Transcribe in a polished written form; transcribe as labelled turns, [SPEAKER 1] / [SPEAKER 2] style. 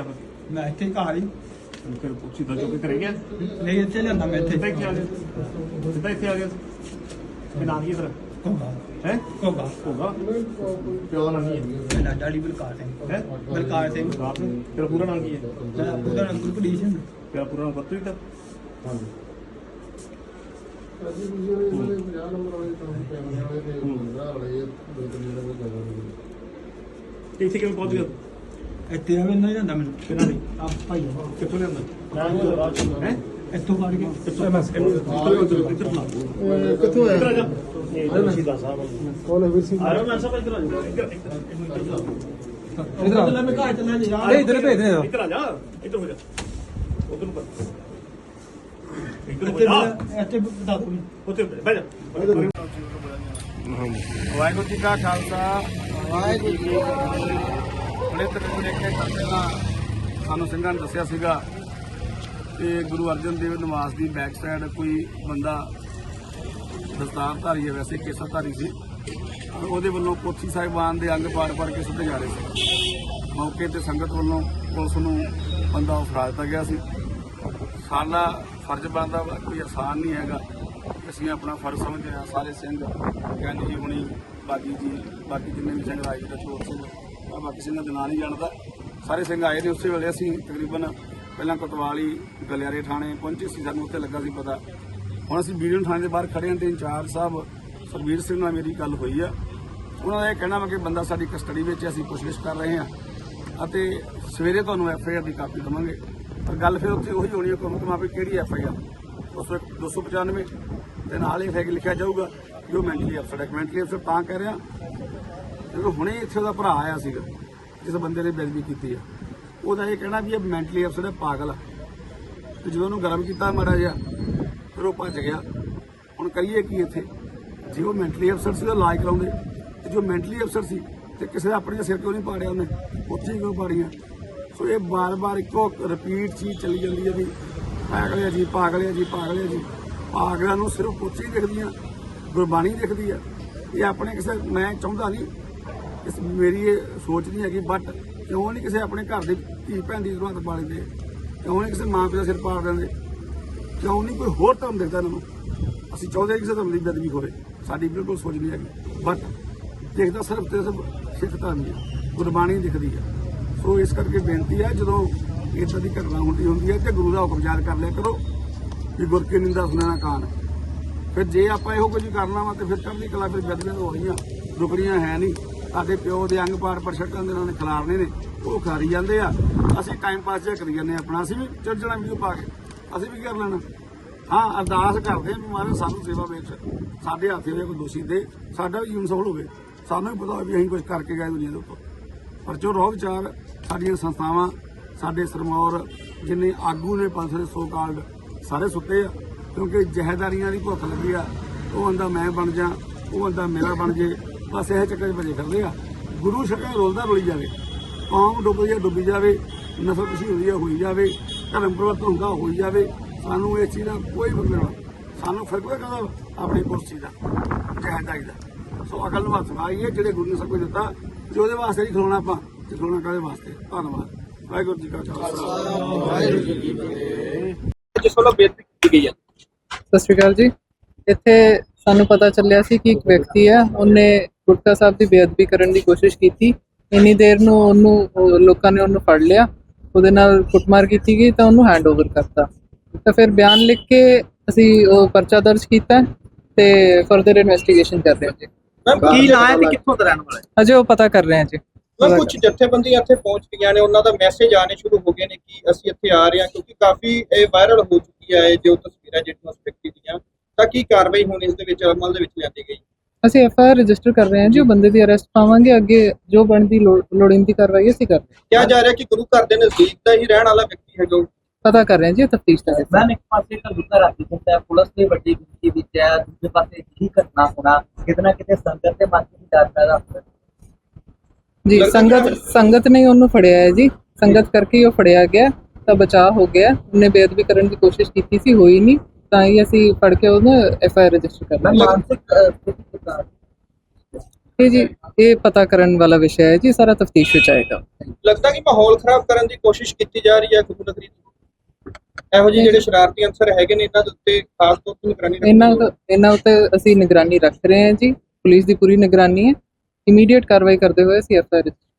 [SPEAKER 1] ਕਰ
[SPEAKER 2] ਮੈਂ ਇੱਥੇ ਘਰ ਹੀ
[SPEAKER 1] ਫਿਰ ਸਿੱਧਾ ਚੁੱਕ ਕੇ ਘਰੇ ਗਿਆ
[SPEAKER 2] ਨਹੀਂ ਇੱਥੇ ਲਿਆਂਦਾ ਮੈਂ ਇੱਥੇ
[SPEAKER 1] ਸਿੱਧਾ ਇੱਥੇ ਆ ਗਿਆ ਸਿੱਧਾ ਇੱਥੇ ਆ ਗਿਆ ਇਹ ਨਾਂ ਕੀ ਤੇਰਾ
[SPEAKER 2] ਕੋਗਾ
[SPEAKER 1] ਹੈ
[SPEAKER 2] ਕੋਗਾ
[SPEAKER 1] ਹੋਗਾ ਪਿਓ ਦਾ ਨਾਂ ਕੀ ਹੈ
[SPEAKER 2] ਮੇਰਾ ਡੈਡੀ ਬਲਕਾਰ ਸਿੰਘ
[SPEAKER 1] ਹੈ
[SPEAKER 2] ਬਲਕਾਰ ਸਿੰਘ
[SPEAKER 1] ਤੇਰਾ ਪੂਰਾ ਨਾਂ ਕੀ ਹੈ
[SPEAKER 2] ਮੇਰਾ ਪੂਰਾ ਨਾਮ ਗੁਰਪ੍ਰੀਤ ਸਿੰਘ
[SPEAKER 1] ਤੇਰਾ ਪੂਰਾ ਨਾਂ ਪਤਾ ਹੀ ਤਾਂ ਹਾਂਜੀ ਇੱਥੇ ਕਿਵੇਂ ਪਹੁੰਚ ਗਿਆ
[SPEAKER 2] ਇੱਥੇ ਆਵੇ ਨਾ ਜਾਂਦਾ ਮੈਨੂੰ
[SPEAKER 1] ਕਿਹਨਾਂ ਦੀ
[SPEAKER 2] ਆ ਭਾਈ
[SPEAKER 1] ਕਿੱਥੋਂ ਲਿਆਂਦਾ ਹੈ
[SPEAKER 2] ਇੱਥੋਂ ਫੜ ਕੇ
[SPEAKER 1] ਕਿੱਥੋਂ ਆਇਆ
[SPEAKER 3] ਕੌਣ ਹੈ ਵੀਰ ਸਿੰਘ
[SPEAKER 1] ਆਰੋ ਮੈਂ ਸਭ ਇੱਧਰ ਆ ਜਾ
[SPEAKER 2] ਇਧਰ ਆ ਮੈਂ ਘਰ ਚੱਲਣਾ ਜੀ
[SPEAKER 3] ਨਹੀਂ ਇਧਰ ਭੇਜ ਦੇ
[SPEAKER 1] ਇੱਧਰ ਆ ਜਾ ਇੱਧਰ ਹੋ ਜਾ ਉਧਰ ਨੂੰ ਕਰ ਇੱਧਰ ਹੋ
[SPEAKER 2] ਇੱਥੇ
[SPEAKER 1] ਜਾ
[SPEAKER 2] ਇੱਥੇ ਬਤਾ ਦੂੰ
[SPEAKER 1] ਉੱਥੇ ਬਹਿ ਜਾ
[SPEAKER 3] ਵਾਹਿਗੁਰੂ ਜੀ ਕਾ ਖਾਲਸਾ ਵਾਹਿਗੁਰੂ ਜੀ ਕੀ ਫਤਿਹ। ਬੜੇ ਤਰੀਕੇ ਨਾਲ ਪਹਿਲਾਂ ਸਾਨੂੰ ਸਿੰਘਾਂ ਨੇ ਦੱਸਿਆ ਸੀਗਾ ਕਿ ਗੁਰੂ ਅਰਜਨ ਦੇਵ ਨਿਵਾਸ ਦੀ ਬੈਕ ਸਾਈਡ ਕੋਈ ਬੰਦਾ ਦਸਤਾਰਧਾਰੀ ਹੈ, ਵੈਸੇ ਕੇਸਾਧਾਰੀ ਸੀ। ਉਹਦੇ ਵੱਲੋਂ ਪੋਥੀ ਸਾਹਿਬਾਨ ਦੇ ਅੰਗ ਪਾੜ ਕੇ ਸੁੱਟੇ ਜਾ ਰਹੇ ਸੀ। ਮੌਕੇ ਤੇ ਸੰਗਤ ਵੱਲੋਂ ਪੁਲਿਸ ਨੂੰ ਬੰਦਾ ਫੜਾ ਦਿੱਤਾ ਗਿਆ ਸੀ। ਸਾਡਾ ਫਰਜ਼ ਬਣਦਾ ਕੋਈ ਆਸਾਨ ਨਹੀਂ ਹੈਗਾ। ਅਸੀਂ ਆਪਣਾ ਫਰਜ਼ ਸਮਝਦੇ ਹਾਂ। ਸਾਰੇ ਸਿੰਘ ਗਿਆਨੀ ਜੀ ਹੁਣੀ ਬਾਗੀ ਜੀ ਬਾਕੀ ਜਿੰਨੇ ਵੀ ਸਿੰਘ ਰਾਜ ਦਾ ਚੋਰ ਸਿੰਘ ਮੈਂ ਬਾਕੀ ਸਿੰਘਾਂ ਦੇ ਨਾਂ ਨਹੀਂ ਜਾਣਦਾ। ਸਾਰੇ ਸਿੰਘ ਆਏ ਨੇ। ਉਸੇ ਵੇਲੇ ਅਸੀਂ ਤਕਰੀਬਨ ਪਹਿਲਾਂ ਕੋਤਵਾਲੀ ਗਲਿਆਰੇ ਥਾਣੇ ਪਹੁੰਚੇ ਸੀ। ਸਾਨੂੰ ਉੱਥੇ ਲੱਗਾ ਸੀ ਪਤਾ। ਹੁਣ ਅਸੀਂ ਬੀਡੀਓ ਥਾਣੇ ਦੇ ਬਾਹਰ ਖੜੇ ਹਾਂ ਤੇ ਇੰਚਾਰਜ ਸਾਹਿਬ ਸਰਬੀਰ ਸਿੰਘ ਨਾਲ ਮੇਰੀ ਗੱਲ ਹੋਈ ਆ। ਉਹਨਾਂ ਦਾ ਇਹ ਕਹਿਣਾ ਵਾ ਕਿ ਬੰਦਾ ਸਾਡੀ ਕਸਟਡੀ ਵਿੱਚ ਅਸੀਂ ਪੁੱਛਗਿੱਛ ਕਰ ਰਹੇ ਹਾਂ ਅਤੇ ਸਵੇਰੇ ਤੁਹਾਨੂੰ FIR ਦੀ ਕਾਪੀ ਦੇਵਾਂਗੇ। ਪਰ ਗੱਲ ਫਿਰ ਉੱਥੇ ਉਹੀ ਹੋਣੀ ਹੈ ਕਿ ਕਿਹੜੀ FIR 295 ਤੇ ਨਾਲ ਹੀ ਫਿਰ ਲਿਖਿਆ ਜਾਊਗਾ ਜੋ ਮੈਂਟਲੀ ਅਪਸੈਟ ਹੈ। ਮੈਂਟਲੀ ਅਪਸੈਟ ਤਾਂ ਕਹਿ ਰਿਹਾ ਕਿਉਂਕਿ ਹੁਣੇ ਇੱਥੇ ਉਹਦਾ ਭਰਾ ਆਇਆ ਸੀਗਾ ਜਿਸ ਬੰਦੇ ਨੇ ਬੇਇੱਜ਼ਤੀ ਕੀਤੀ ਆ। ਉਹਦਾ ਇਹ ਕਹਿਣਾ ਵੀ ਇਹ ਮੈਂਟਲੀ ਅਪਸੈਟ ਹੈ, ਪਾਗਲ ਆ। ਤੇ ਜਦੋਂ ਉਹਨੂੰ ਗਰਮ ਕੀਤਾ ਮਾੜਾ ਜਿਹਾ ਫਿਰ ਉਹ ਭੱਜ ਗਿਆ। ਹੁਣ ਕਰੀਏ ਕੀ ਇੱਥੇ? ਜੇ ਉਹ ਮੈਂਟਲੀ ਅਪਸੈਟ ਸੀ ਉਹ ਇਲਾਜ ਕਰਾਉਂਦੇ ਤੇ ਜੋ ਮੈਂਟਲੀ ਅਪਸੈਟ ਸੀ ਤੇ ਕਿਸੇ ਦਾ ਆਪਣੇ ਸਿਰ ਕਿਉਂ ਨਹੀਂ ਪਾੜਿਆ ਉਹਨੇ? ਉੱਥੇ ਹੀ ਕਿਉਂ ਪਾੜੀਆਂ? ਸੋ ਇਹ ਬਾਰ-ਬਾਰ ਇੱਕੋ ਰਿਪੀਟ ਚੀਜ਼ ਚੱਲੀ ਜਾਂਦੀ ਹੈ ਵੀ ਪਾਗਲਿਆ ਜੀ ਪਾਗਲਿਆ ਜੀ ਪਾਗਲਿਆ ਜੀ। ਪਾਗਲਾਂ ਨੂੰ ਸਿਰਫ ਪੁੱਛ ਹੀ ਦਿਖਦੀਆਂ, ਗੁਰਬਾਣੀ ਦਿਖਦੀ ਆ। ਇਹ ਆਪਣੇ ਕਿਸੇ ਮੈਂ ਚਾਹੁੰਦਾ ਨਹੀਂ, ਮੇਰੀ ਇਹ ਸੋਚ ਨਹੀਂ ਹੈਗੀ, ਬਟ ਕਿਉਂ ਨਹੀਂ ਕਿਸੇ ਆਪਣੇ ਘਰ ਦੇ ਧੀ ਭੈਣ ਦੀ ਜ਼ਰੂਰਤ ਪਾ ਲੈਂਦੇ? ਕਿਉਂ ਨਹੀਂ ਕਿਸੇ ਮਾਂ ਪਿਓ ਦਾ ਸਿਰ ਪਾੜ ਦਿੰਦੇ? ਕਿਉਂ ਨਹੀਂ ਕੋਈ ਹੋਰ ਧਰਮ ਦਿਖਦਾ ਇਹਨਾਂ ਨੂੰ? ਅਸੀਂ ਚਾਹੁੰਦੇ ਕਿਸੇ ਧਰਮ ਦੀ ਬੇਅਦਬੀ ਹੋਵੇ, ਸਾਡੀ ਬਿਲਕੁਲ ਸੋਚ ਨਹੀਂ ਹੈਗੀ, ਬਟ ਦੇਖਦਾ ਸਿਰਫ ਤੇ ਸਿਰਫ ਸਿੱਖ ਧਰਮ ਦੀ ਗੁਰਬਾਣੀ ਦਿਖਦੀ ਆ। ਸੋ ਇਸ ਕਰਕੇ ਬੇਨਤੀ ਹੈ ਜਦੋਂ ਇੱਦਾਂ ਦੀ ਘਟਨਾ ਹੁੰਦੀ ਹੈ ਤੇ ਗੁਰੂ ਦਾ ਹੁਕਮ ਯਾਦ ਕਰ ਲਿਆ ਕਰੋ ਕਿ ਗੁਰ ਕੀ ਨਿੰਦਾ ਸੁਣਨਾ ਕਾਨ। ਫਿਰ ਜੇ ਆਪਾਂ ਇਹੋ ਕੁਝ ਕਰਨਾ ਵਾ ਤੇ ਫਿਰ ਚੜ੍ਹਦੀ ਕਲਾ ਫਿਰ ਬੇਅਦਬੀਆਂ ਹੋ ਰਹੀਆਂ, ਰੁਕਣੀਆਂ ਹੈ ਨਹੀਂ। ਸਾਡੇ ਪਿਓ ਦੇ ਅੰਗ ਪਾੜ ਛੱਡਾਂ ਦੇ ਨਾਲ ਖਿਲਾਰਨੇ ਨੇ, ਉਹ ਖਿਲਾਰੀ ਜਾਂਦੇ ਆ। ਅਸੀਂ ਟਾਈਮ ਪਾਸ ਜਿਹਾ ਕਰੀ ਜਾਂਦੇ ਆਪਣਾ। ਅਸੀਂ ਵੀ ਚੜ ਜਾਣਾ ਵੀਡੀਓ ਪਾ ਕੇ, ਅਸੀਂ ਵੀ ਕਰ ਲੈਣਾ। ਹਾਂ, ਅਰਦਾਸ ਕਰਦੇ ਹਾਂ ਮਹਾਰਾਜ ਸਾਨੂੰ ਸੇਵਾ ਵਿੱਚ ਸਾਡੇ ਹੱਥ ਹੋਵੇ ਕੋਈ ਦੋਸ਼ੀ ਦੇ, ਸਾਡਾ ਵੀ ਜੀਵਨ ਸਫਲ ਹੋਵੇ। ਸਾਨੂੰ ਵੀ ਪਤਾ ਹੋਵੇ ਵੀ ਅਸੀਂ ਕੁਝ ਕਰਕੇ ਗਏ ਦੁਨੀਆ ਦੇ ਉੱਪਰ। ਪਰ ਜੋ ਰੋਹ ਵਿਚਾਰ ਸਾਡੀਆਂ ਸੰਸਥਾਵਾਂ, ਸਾਡੇ ਸਰਮੌਰ ਜਿੰਨੇ ਆਗੂ ਨੇ ਪੰਥ ਦੇ ਸੋ ਕਾਲਡ ਸਾਰੇ ਸੁੱਤੇ ਆ, ਕਿਉਂਕਿ ਜਹੇਦਾਰੀਆਂ ਦੀ ਭੁੱਖ ਲੱਗੀ ਆ। ਉਹ ਬੰਦਾ ਮੈਂ ਬਣ ਜਾ, ਉਹ ਬੰਦਾ ਮੇਰਾ ਬਣ ਜੇ, ਬਸ ਇਹ ਚੱਕਰ 'ਚ ਭਜੇ ਫਿਰਦੇ ਆ। ਗੁਰੂ ਸ਼ਕਲ ਰੁਲਦਾ ਰੁਲੀ ਜਾਵੇ, ਕੌਮ ਡੁੱਬੀ ਜਾਵੇ, ਨਸਲ ਕੁਸ਼ੀ ਹੋਈ ਜਾਵੇ, ਧਰਮ ਪਰਿਵਰਤਨ ਹੁੰਦਾ ਹੋਈ ਜਾਵੇ। ਸਾਨੂੰ ਇਸ ਚੀਜ਼ ਦਾ ਕੋਈ ਮਤਲਬ ਨਹੀਂ। ਸਾਨੂੰ ਫਰਕ ਹੋਏਗਾ ਆਪਣੀ ਕੁਰਸੀ ਦਾ, ਜਹੇਦਾਰੀ ਦਾ। ਸੋ ਅਕਲ ਨੂੰ ਹੱਥ ਮਾਰੀਏ ਜਿਹੜੇ ਗੁਰੂ ਨੇ ਸਭ ਕੁਝ ਦਿੱਤਾ, ਤੇ ਉਹਦੇ ਵਾਸਤੇ ਨਹੀਂ ਖਲੋਣਾ ਆਪਾਂ, ਤੇ ਖਲੋਣਾ ਕਾਹਦੇ ਵਾਸਤੇ? ਧੰਨਵਾਦ। ਵਾਹਿਗੁਰੂ ਜੀ ਕਾ ਖਾਲਸਾ ਵਾਹਿਗੁਰੂ ਜੀ ਕੀ ਫਤਿਹ।
[SPEAKER 4] ਜਿਸ ਵੱਲੋਂ ਬੇਨਤੀ ਕੀਤੀ ਗਈ ਹੈ।
[SPEAKER 5] ਸਤਿ ਸ਼੍ਰੀ ਅਕਾਲ ਜੀ। ਇੱਥੇ ਸਾਨੂੰ ਪਤਾ ਚੱਲਿਆ ਸੀ ਕਿ ਇੱਕ ਵਿਅਕਤੀ ਹੈ, ਉਹਨੇ ਗੁਟਕਾ ਸਾਹਿਬ ਦੀ ਬੇਅਦਬੀ ਕਰਨ ਦੀ ਕੋਸ਼ਿਸ਼ ਕੀਤੀ। ਇੰਨੀ ਦੇਰ ਨੂੰ ਉਹਨੂੰ ਲੋਕਾਂ ਨੇ ਉਹਨੂੰ ਫੜ ਲਿਆ, ਉਹਦੇ ਨਾਲ ਕੁੱਟਮਾਰ ਕੀਤੀ ਗਈ ਤਾਂ ਉਹਨੂੰ ਹੈਂਡਓਵਰ ਕਰਤਾ। ਤਾਂ ਫਿਰ ਬਿਆਨ ਲਿਖ ਕੇ ਅਸੀਂ ਉਹ ਪਰਚਾ ਦਰਜ ਕੀਤਾ ਤੇ ਫਰਦਰ ਇਨਵੈਸਟੀਗੇਸ਼ਨ ਕਰ ਰਹੇ ਹਾਂ ਜੀ।
[SPEAKER 4] ਕੀ ਨਾਂ ਹੈ ਤੇ ਕਿੱਥੋਂ ਦਾ ਰਹਿਣ ਵਾਲਾ ਹੈ?
[SPEAKER 5] ਅਜੇ ਉਹ ਪਤਾ ਕਰ ਰਹੇ ਹਾਂ ਜੀ।
[SPEAKER 4] ਕੁਝ ਜਥੇਬੰਦੀਆਂ ਇੱਥੇ ਪਹੁੰਚ ਗਈਆਂ ਨੇ, ਉਹਨਾਂ ਦਾ ਮੈਸੇਜ ਆਣੇ ਸ਼ੁਰੂ ਹੋ ਗਏ ਨੇ ਕਿ ਅਸੀਂ ਇੱਥੇ ਆ ਰਹੇ ਹਾਂ, ਕਿਉਂਕਿ ਕਾਫੀ ਇਹ ਵਾਇਰਲ ਹੋ ਚੁੱਕੀ ਹੈ ਜੋ ਤਸਵੀਰਾਂ ਜਿਹੜੀਆਂ ਉਸ ਵਿਅਕਤੀ ਦੀਆਂ। ਤਾਂ ਕੀ ਕਾਰਵਾਈ ਹੁਣ ਇਸ ਦੇ ਵਿੱਚ ਅਮਲ ਦੇ ਵਿੱਚ ਲਿਆਂਦੀ ਗਈ?
[SPEAKER 5] ਅਸੀਂ FIR ਰਜਿਸਟਰ ਕਰ ਰਹੇ ਹਾਂ ਜੀ। ਉਹ ਬੰਦੇ ਦੀ ਅਰੈਸਟ ਪਾਵਾਂਗੇ। ਅੱਗੇ ਜੋ ਬਣਦੀ ਲੋੜੀਂਦੀ ਕਾਰਵਾਈ ਅਸੀਂ ਕਰ ਰਹੇ ਹਾਂ।
[SPEAKER 4] ਕਿਹਾ ਜਾ ਰਿਹਾ ਕਿ ਗੁਰੂ ਘਰ ਦੇ ਨਜ਼ਦੀਕ ਦਾ ਹੀ ਰਹਿਣ ਵਾਲਾ ਵਿਅਕਤੀ ਹੈ ਜੋ
[SPEAKER 5] ਪਤਾ ਕਰ ਰਹੇ ਹਾਂ ਜੀ, ਤਫਤੀਸ਼ ਦਾ ਹਿੱਸਾ।
[SPEAKER 6] ਇੱਕ ਪਾਸੇ ਤਾਂ ਗੁੱਸਾ ਰੱਖ ਦਿੱਤਾ ਹੈ, ਪੁਲਿਸ ਦੀ ਵੱਡੀ ਗਿਣਤੀ ਵਿੱਚ ਹੈ, ਦੂਜੇ ਪਾਸੇ ਕੀ ਘਟਨਾ ਹੋਣਾ ਕਿਤੇ ਨਾ ਕਿਤੇ ਸੰਗਤ ਦੇ ਮਨ ਵਿੱਚ ਡਰ ਪੈਦਾ ਹੁੰਦਾ
[SPEAKER 5] ਜੀ। ਸੰਗਤ ਨੇ ਉਹਨੂੰ ਫੜਿਆ ਹੈ ਜੀ, ਸੰਗਤ ਕਰਕੇ ਉਹ ਫੜਿਆ ਗਿਆ ਤਾਂ ਬਚਾਅ ਹੋ ਗਿਆ। ਉਹਨੇ ਬੇਅਦਬੀ ਕਰਨ ਦੀ ਕੋਸ਼ਿਸ਼ ਕੀਤੀ ਸੀ, ਹੋਈ ਨਹੀਂ, ਤਾਂ ਹੀ ਅਸੀਂ ਫੜ ਕੇ ਉਹਨੂੰ FIR ਰਜਿਸਟਰ ਕਰ ਲਿਆ।
[SPEAKER 6] ਮਾਨਸਿਕ ਸਥਿਤੀ ਕਿੱਦਾਂ?
[SPEAKER 5] ਇਹ ਜੀ ਇਹ ਪਤਾ ਕਰਨ ਵਾਲਾ ਵਿਸ਼ਾ ਹੈ ਜੀ, ਸਾਰਾ ਤਫਤੀਸ਼ ਵਿੱਚ ਆਏਗਾ।
[SPEAKER 4] ਲੱਗਦਾ ਕਿ ਮਾਹੌਲ ਖਰਾਬ ਕਰਨ ਦੀ ਕੋਸ਼ਿਸ਼ ਕੀਤੀ ਜਾ ਰਹੀ ਹੈ ਗੁਰੂ ਨਗਰੀ ਦੀ। ਇਹੋ ਜਿਹੇ ਜਿਹੜੇ ਸ਼ਰਾਰਤੀ ਅਨਸਰ ਹੈਗੇ ਨੇ ਇਹਨਾਂ ਦੇ ਉੱਤੇ ਖਾਸ ਤੌਰ ਤੇ ਨਿਗਰਾਨੀ ਰੱਖਣੀ ਹੋਵੇਗੀ।
[SPEAKER 5] ਇਹਨਾਂ ਉੱਤੇ ਅਸੀਂ ਨਿਗਰਾਨੀ ਰੱਖ ਰਹੇ ਹਾਂ ਜੀ, ਪੁਲਿਸ ਦੀ ਪੂਰੀ ਨਿਗਰਾਨੀ ਹੈ। ਇਮੀਡੀਏਟ ਕਾਰਵਾਈ ਕਰਦੇ ਹੋਏ ਅਸੀਂ FIR